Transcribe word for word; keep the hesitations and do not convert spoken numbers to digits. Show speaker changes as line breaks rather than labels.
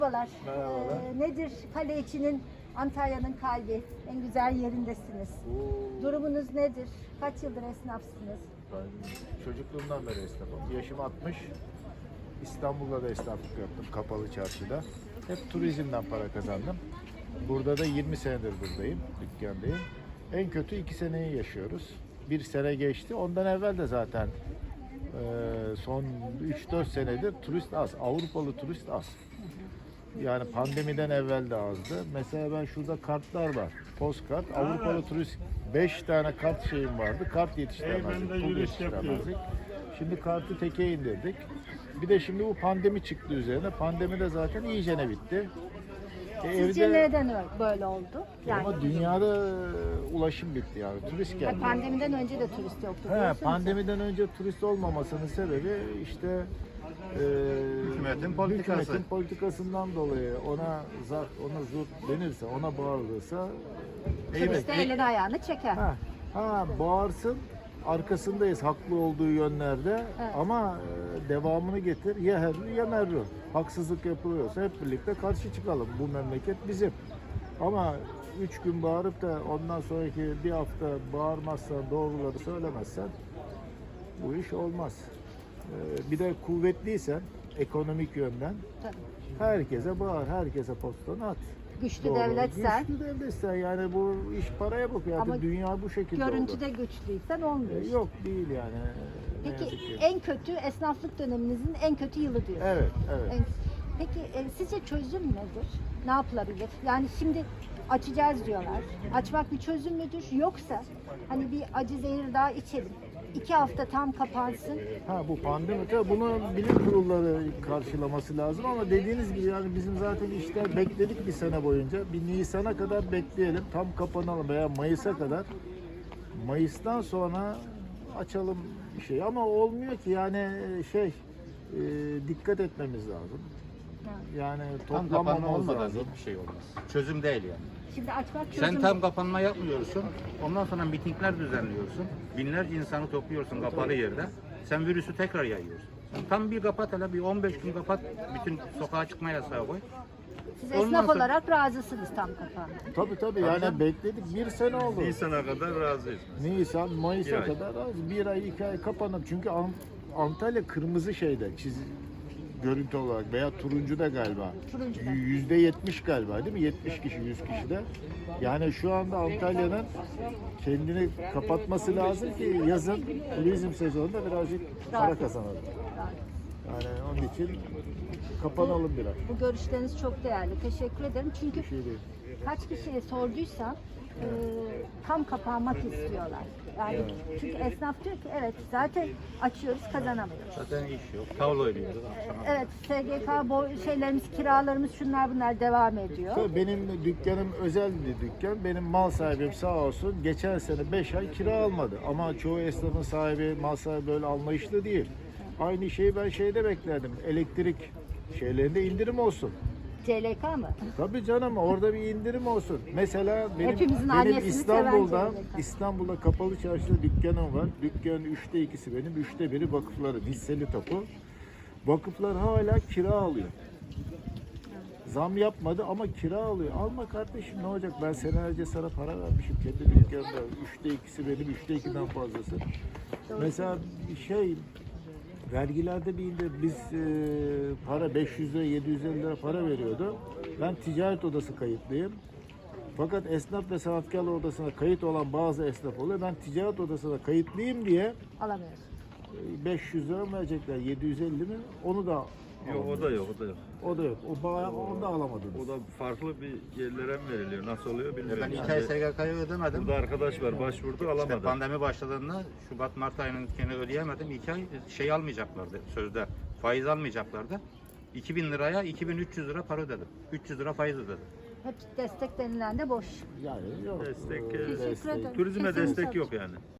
Merhabalar.
Merhabalar.
Ee, nedir kale içinin Antalya'nın kalbi? En güzel yerindesiniz.
Oo,
Durumunuz nedir? Kaç yıldır esnafsınız?
ben çocukluğumdan beri esnafım. Yaşım altmış. İstanbul'da da esnaflık yaptım kapalı çarşıda. Hep turizmden para kazandım. Burada da yirmi senedir buradayım, dükkandayım. En kötü iki seneyi yaşıyoruz. Bir sene geçti. Ondan evvel de zaten e, son üç dört senedir turist az. Avrupalı turist az. Yani pandemiden evvel de azdı. Mesela ben şurada kartlar var. Postkart. Avrupalı turist beş tane kart şeyim vardı. Kart yetiştiremezdik. Pul yetiştiremezdik. Şimdi kartı teke indirdik. Bir de şimdi bu pandemi çıktı üzerine. Pandemi de zaten iyicene bitti. E,
Sizce
evde-
neden ö- böyle oldu? Yani
Ama dünyada ulaşım bitti yani. Turist
ha,
geldi.
pandemiden önce de turist yoktu.
He,
biliyorsunuz.
pandemiden önce turist olmamasının sebebi işte e,
Hükümetin politikası.
hükümetin politikasından dolayı ona zar, ona zurt denirse, ona bağırılırsa
Turist de elini ayağını çeker.
ha, ha bağırsın, arkasındayız haklı olduğu yönlerde
Evet.
ama e, devamını getir ya herru ya merru. Haksızlık yapılıyorsa hep birlikte karşı çıkalım. Bu memleket bizim. Ama üç gün bağırıp da ondan sonraki bir hafta bağırmazsan, doğruları söylemezsen bu iş olmaz. Ee, bir de kuvvetliysen ekonomik yönden
Tabii.
herkese bağır, herkese postanı at.
Güçlü
Doğru.
devletsen,
Güçlü devletsen yani bu iş paraya bakıyor.
Ama
Artık dünya bu şekilde
görüntüde
oldu.
güçlüysen olmuyor.
Ee,
işte.
Yok değil yani. Ee, ne
Peki
yazık ki.
en kötü esnaflık döneminizin en kötü yılı diyorsunuz.
Evet, evet.
En- Peki e, sizce çözüm nedir? Ne yapılabilir? Yani şimdi açacağız diyorlar. Açmak bir çözüm müdür? Yoksa hani bir acı zehir daha içelim. İki hafta tam kapansın.
Ha bu pandemi tabii bunu bilim kurulları karşılaması lazım ama dediğiniz gibi yani bizim zaten işler bekledik bir sene boyunca. Bir Nisan'a kadar bekleyelim, tam kapanalım veya Mayıs'a kadar. Mayıs'tan sonra açalım bir şey ama olmuyor ki yani şey e, dikkat etmemiz lazım. Yani
Tam kapanma
toplamamamız
olmadan
lazım.
hiçbir şey olmaz. Çözüm değil yani.
Şimdi açmak çözüm.
Sen tam kapanma yapmıyorsun. Ondan sonra mitingler düzenliyorsun. Binlerce insanı topluyorsun kapalı yerde. Sen virüsü tekrar yayıyorsun. Sen tam bir kapat hele bir on beş gün kapat. Bütün sokağa çıkma yasağı koy.
Siz
Ondan
esnaf
sonra-
olarak razısınız tam kapanma.
Tabii tabii yani bekledik bir sene oldu.
Nisan'a kadar razıyız.
Nisan, Mayıs'a
Bir ay.
kadar az. Bir ay, iki ay kapanıp çünkü Ant- Antalya kırmızı şeyde çiz görüntü olarak veya turuncuda galiba.
Turuncuda.
Yüzde yetmiş galiba değil mi? Yetmiş kişi, yüz kişide. Yani şu anda Antalya'nın kendini kapatması lazım ki yazın turizm sezonunda birazcık para kazanalım. Yani onun için kapanalım biraz.
Bu görüşleriniz çok değerli. Teşekkür ederim. Çünkü
Bir şey değil.
kaç kişiye sorduysam e, tam kapanmak istiyorlar. Yani çünkü esnaf diyor ki evet zaten açıyoruz kazanamıyoruz.
Zaten iş yok. Tavla oynuyoruz.
Evet S G K bo- şeylerimiz, kiralarımız şunlar bunlar devam ediyor.
Tabii benim dükkanım özel bir dükkan. Benim mal sahibim sağ olsun geçen sene beş ay kira almadı. Ama çoğu esnafın sahibi, mal sahibi böyle anlayışlı değil. Aynı şeyi ben şeyde beklerdim. Elektrik şeylerinde indirim olsun.
C L K mı?
Tabii canım orada bir indirim olsun. Mesela benim,
Hepimizin
benim
annesini
İstanbul'da
seven C L K.
İstanbul'da kapalı çarşıda dükkanım var. Dükkanın üçte ikisi benim, üçte biri vakıfları, hisseli tapu. Vakıflar hala kira alıyor. Zam yapmadı ama kira alıyor. Alma kardeşim ne olacak? Ben senelerce sana para vermişim kendi dükkanımda. Üçte ikisi benim, üçte ikiden fazlası. Mesela şey vergilerde bir indir. Biz e, para beş yüz lira, yedi yüz elli lira para veriyordu. Ben ticaret odası kayıtlıyım. Fakat esnaf ve sanatkarlar odasına kayıt olan bazı esnaf oluyor. Ben ticaret odasına kayıtlıyım diye
Alamıyoruz.
e, beş yüz lira mı verecekler? yedi yüz elli mi? Onu da
Yok o da yok, o da yok.
o da yok. O bayağı onu da alamadınız.
O da farklı bir yerlere mi veriliyor? Nasıl oluyor bilmiyorum.
Ben iki ay S G K'yı ödemedim.
Burada arkadaş var başvurdu
İşte
alamadı.
pandemi başladığında Şubat Mart ayının gene ödeyemedim. İki ay şey almayacaklardı sözde. Faiz almayacaklardı. iki bin liraya iki bin üç yüz lira para ödedim. üç yüz lira faiz ödedim.
Hep destek denilen de boş.
Yani yok.
Destek,
e,
e,
Teşekkür ederim.
Turizme
Kesinlikle.
destek yok yani.